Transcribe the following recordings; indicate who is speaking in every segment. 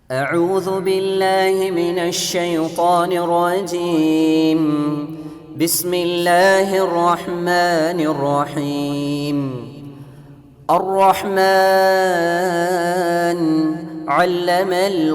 Speaker 1: أعوذ بالله من الشيطان الرجيم بسم الله الرحمن الرحيم الرحمن علم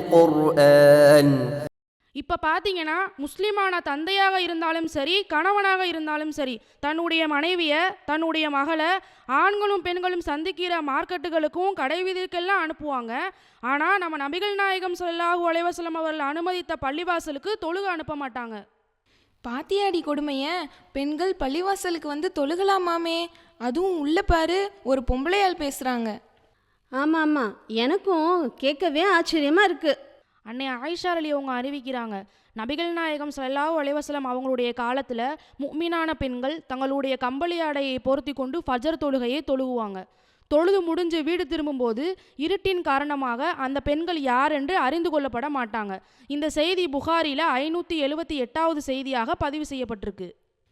Speaker 1: القرآن.
Speaker 2: இப்போ பார்த்தீங்கன்னா முஸ்லீமான தந்தையாக இருந்தாலும் சரி, கணவனாக இருந்தாலும் சரி, தன்னுடைய மனைவியை, தன்னுடைய மகளை ஆண்களும் பெண்களும் சந்திக்கிற மார்க்கெட்டுகளுக்கும் கடை வீதிக்கெல்லாம் அனுப்புவாங்க. ஆனால் நம்ம நபிகள் நாயகம் ஸல்லல்லாஹு அலைஹி வஸல்லம் அவர்கள் அனுமதித்த பள்ளிவாசலுக்கு தொழுக அனுப்ப மாட்டாங்க.
Speaker 3: பாத்தியாடி கொடுமைய, பெண்கள் பள்ளிவாசலுக்கு வந்து தொழுகலாமாமே, அதுவும் உள்ள பாரு ஒரு பொம்பளையால் பேசுகிறாங்க.
Speaker 4: ஆமாம் ஆமாம், எனக்கும் கேட்கவே ஆச்சரியமாக இருக்குது.
Speaker 2: அன்னை ஆயிஷா அலி அவங்க அறிவிக்கிறாங்க, நபிகள் நாயகம் ஸல்லல்லாஹு அலைஹி வஸல்லம் அவங்களுடைய காலத்தில் முஃமினான பெண்கள் தங்களுடைய கம்பளி ஆடையை பொருத்தி கொண்டு ஃபஜர் தொழுகையை தொழுகுவாங்க. தொழுது முடிஞ்சு வீடு திரும்பும்போது இருட்டின் காரணமாக அந்த பெண்கள் யார் என்று அறிந்து கொள்ளப்பட மாட்டாங்க. இந்த செய்தி புகாரியில் 578வது செய்தியாக பதிவு செய்யப்பட்டிருக்கு.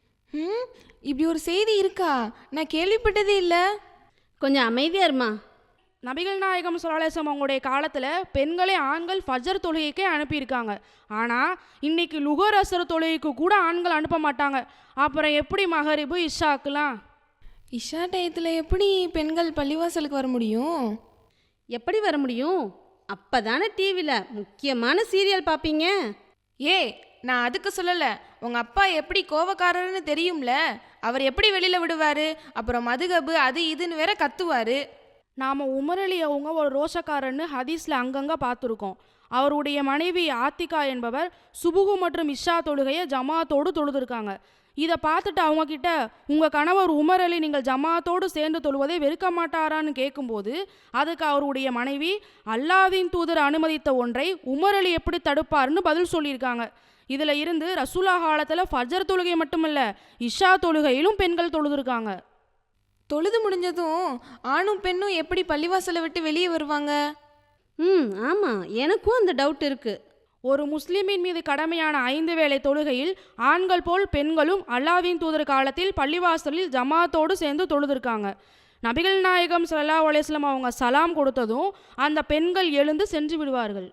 Speaker 3: இப்படி ஒரு செய்தி இருக்கா? நான் கேள்விப்பட்டதே இல்லை.
Speaker 4: கொஞ்சம் அமைதியாக இருமா.
Speaker 2: நபிகள் நாயகம் ஸல்லல்லாஹு அலைஹி வஸல்லம் அவங்களுடைய காலத்தில் பெண்களே ஆண்கள் ஃபஜர் தொழுகைக்கே அனுப்பியிருக்காங்க. ஆனால் இன்னைக்கு லுகர் அஸ்ர் தொழுகைக்கு கூட ஆண்கள் அனுப்ப மாட்டாங்க. அப்புறம் எப்படி மகரிபு இஷாக்குலாம்?
Speaker 3: இஷா டயத்தில் எப்படி பெண்கள் பள்ளிவாசலுக்கு வர முடியும்?
Speaker 4: எப்படி வர முடியும்? அப்போ தானே டிவியில் முக்கியமான சீரியல் பார்ப்பீங்க.
Speaker 3: நான் அதுக்கு சொல்லலை. உங்கள் அப்பா எப்படி கோவக்காரர்னு தெரியும்ல, அவர் எப்படி வெளியில் விடுவார்? அப்புறம் மதுகபு அது இதுன்னு வேற கத்துவார்.
Speaker 2: நாம் உமர் அலி அவங்க ஒரு ரோஷக்காரன்னு ஹதீஸில் அங்கங்கே பார்த்துருக்கோம். அவருடைய மனைவி ஆத்திகா என்பவர் சுபுகு மற்றும் இஷா தொழுகையை ஜமாத்தோடு தொழுதுருக்காங்க. இதை பார்த்துட்டு அவங்கக்கிட்ட, உங்கள் கணவர் உமர் அலி நீங்கள் ஜமாத்தோடு சேர்ந்து தொழுவதை வெறுக்க மாட்டாரான்னு கேட்கும்போது அதுக்கு அவருடைய மனைவி, அல்லாஹ்வின் தூதர் அனுமதித்த ஒன்றை உமர் அலி எப்படி தடுப்பார்னு பதில் சொல்லியிருக்காங்க. இதில் இருந்து ரசூலா காலத்தில் ஃபஜர் தொழுகை மட்டுமல்ல, இஷா தொழுகையிலும் பெண்கள் தொழுதுருக்காங்க.
Speaker 3: தொழுது முடிஞ்சதும் ஆணும் பெண்ணும் எப்படி பள்ளிவாசலை விட்டு வெளியே வருவாங்க?
Speaker 4: ஆமாம், எனக்கும் அந்த டவுட் இருக்குது.
Speaker 2: ஒரு முஸ்லிமின் மீது கடமையான 5 வேளை தொழுகையில் ஆண்கள் போல் பெண்களும் அல்லாஹ்வின் தூதர் காலத்தில் பள்ளிவாசலில் ஜமாத்தோடு சேர்ந்து தொழுதுருக்காங்க. நபிகள் நாயகம் ஸல்லல்லாஹு அலைஹி வஸல்லம் அவங்க சலாம் கொடுத்ததும் அந்த பெண்கள் எழுந்து சென்று விடுவார்கள்.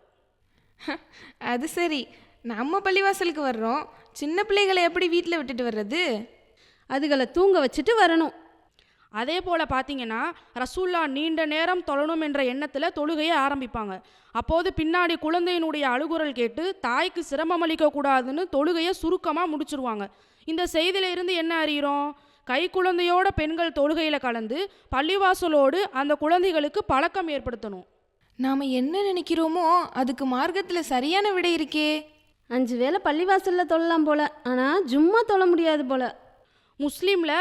Speaker 3: அது சரி, நம்ம பள்ளிவாசலுக்கு வர்றோம், சின்ன பிள்ளைகளை எப்படி வீட்டில் விட்டுட்டு வர்றது?
Speaker 4: அதுகளை தூங்க வச்சுட்டு வரணும்.
Speaker 2: அதே போல் பார்த்தீங்கன்னா ரசூல்லா நீண்ட நேரம் தொழணும் என்ற எண்ணத்தில் தொழுகையை ஆரம்பிப்பாங்க. அப்போது பின்னாடி குழந்தையினுடைய அழுகுரல் கேட்டு தாய்க்கு சிரமம் அளிக்கக்கூடாதுன்னு தொழுகையை சுருக்கமாக முடிச்சிருவாங்க. இந்த செய்தியில இருந்து என்ன அறிகிறோம்? கை குழந்தையோட பெண்கள் தொழுகையில் கலந்து பள்ளிவாசலோடு அந்த குழந்தைகளுக்கு பழக்கம் ஏற்படுத்தணும்.
Speaker 3: நாம் என்ன நினைக்கிறோமோ அதுக்கு மார்க்கத்தில் சரியான விடை இருக்கே.
Speaker 4: 5 வேளை பள்ளிவாசலில் தொழலாம் போல, ஆனால் ஜும்மா தொழ முடியாது போல.
Speaker 2: முஸ்லீமில்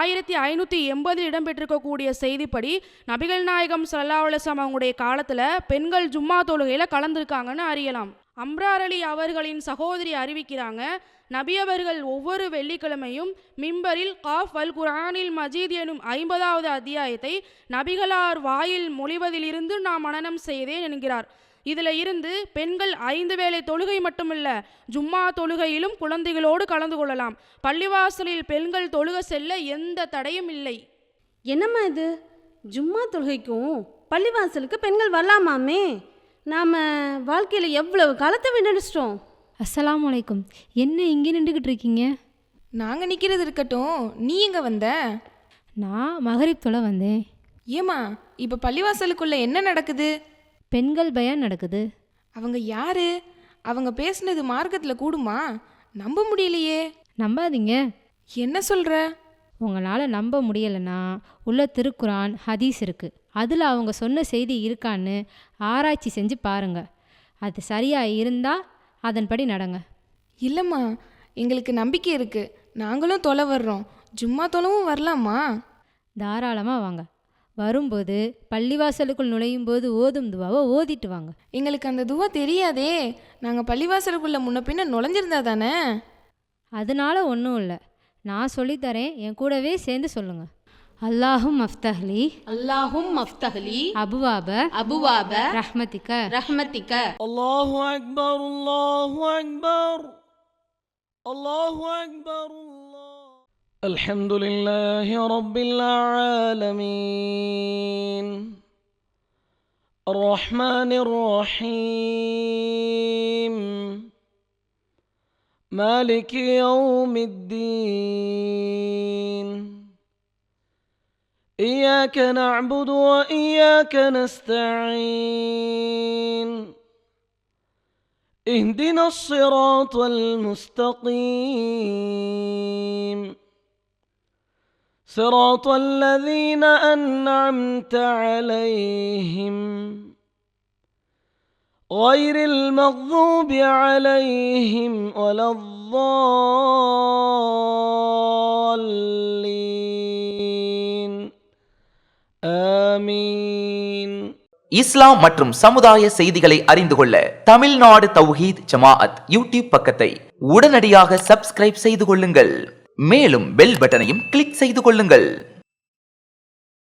Speaker 2: 1580 இடம்பெற்றிருக்கக்கூடிய செய்திப்படி நபிகள் நாயகம் ஸல்லல்லாஹு அலைஹி வஸல்லம் அவங்களுடைய காலத்தில் பெண்கள் ஜும்மா தொழுகையில் கலந்துருக்காங்கன்னு அறியலாம். அம்ரார் அலி அவர்களின் சகோதரி அறிவிக்கிறாங்க, நபி அவர்கள் ஒவ்வொரு வெள்ளிக்கிழமையும் மிம்பரில் காஃப் அல் குர்ஆனில் மஜீத் எனும் 50வது அத்தியாயத்தை நபிகளார் வாயில் மொழிவதிலிருந்து நான் மனனம் செய்தேன் என்கிறார். இதில் இருந்து பெண்கள் 5 வேளை தொழுகை மட்டுமல்ல, ஜும்மா தொழுகையிலும் குழந்தைகளோடு கலந்து கொள்ளலாம். பள்ளிவாசலில் பெண்கள் தொழுக செல்ல எந்த தடையும் இல்லை.
Speaker 4: என்னம்மா இது? ஜும்மா தொழுகைக்கும் பள்ளிவாசலுக்கு பெண்கள் வரலாமாமே? நாம் வாழ்க்கையில் எவ்வளவு காலத்தை விண்ணடிச்சிட்டோம்.
Speaker 5: அஸ்ஸலாமு அலைக்கும். என்ன இங்கே நின்றுக்கிட்டு இருக்கீங்க?
Speaker 3: நாங்கள் நிற்கிறது இருக்கட்டும், நீ எங்கே வந்த?
Speaker 5: நான் மகரிப் தொலை வந்தேன்.
Speaker 3: ஏம்மா, இப்போ பள்ளிவாசலுக்குள்ளே என்ன நடக்குது?
Speaker 5: பெண்கள் பயான் நடக்குது.
Speaker 3: அவங்க யாரு? அவங்க பேசுனது மார்க்கத்தில் கூடுமா? நம்ப முடியலையே.
Speaker 5: நம்பாதீங்க.
Speaker 3: என்ன சொல்கிற?
Speaker 5: உங்களால் நம்ப முடியலைன்னா உள்ள திருக்குரான் ஹதீஸ் இருக்குது, அதில் அவங்க சொன்ன செய்தி இருக்கான்னு ஆராய்ச்சி செஞ்சு பாருங்கள். அது சரியாக இருந்தால் அதன்படி நடங்க.
Speaker 3: இல்லைம்மா, எங்களுக்கு நம்பிக்கை இருக்குது, நாங்களும் தொலை வர்றோம். ஜும்மா தொலைவும் வரலாமா?
Speaker 5: தாராளமாக வாங்க. வரும்போது பள்ளிவாசலுக்குள் நுழையும் போது ஓதும் துவாவை ஓதிட்டு வாங்க.
Speaker 3: எங்களுக்கு அந்த துவா தெரியாதே. நாங்கள் பள்ளிவாசலுக்குள்ளே முன்ன பின்ன நுழைஞ்சிருந்தா தானே.
Speaker 5: அதனால ஒன்றும் இல்லை, நான் சொல்லித்தரேன், என் கூடவே சேர்ந்து சொல்லுங்க. அல்லாஹும் மஃப்தஹ்லி
Speaker 4: அல்லாஹும் மஃப்தஹ்லி
Speaker 5: அபுவாப
Speaker 4: அபுவாப
Speaker 5: ரஹ்மத்திக
Speaker 4: ரஹ்மத்திக.
Speaker 6: அல்லாஹு அக்பர் அல்லாஹு அக்பர் அல்லாஹு அக்பர். الحمد لله رب العالمين الرحمن الرحيم مالك يوم الدين إياك نعبد وإياك نستعين اهدنا الصراط المستقيم صراط الذين أنعمت عليهم غير المغضوب عليهم ولا الضالين آمين.
Speaker 7: இஸ்லாம் மற்றும் சமுதாய செய்திகளை அறிந்து கொள்ள தமிழ்நாடு தௌஹீத் ஜமாஅத் யூடியூப் பக்கத்தை உடனடியாக சப்ஸ்கிரைப் செய்து கொள்ளுங்கள். மேலும் பெல் பட்டனையும் கிளிக் செய்து கொள்ளுங்கள்.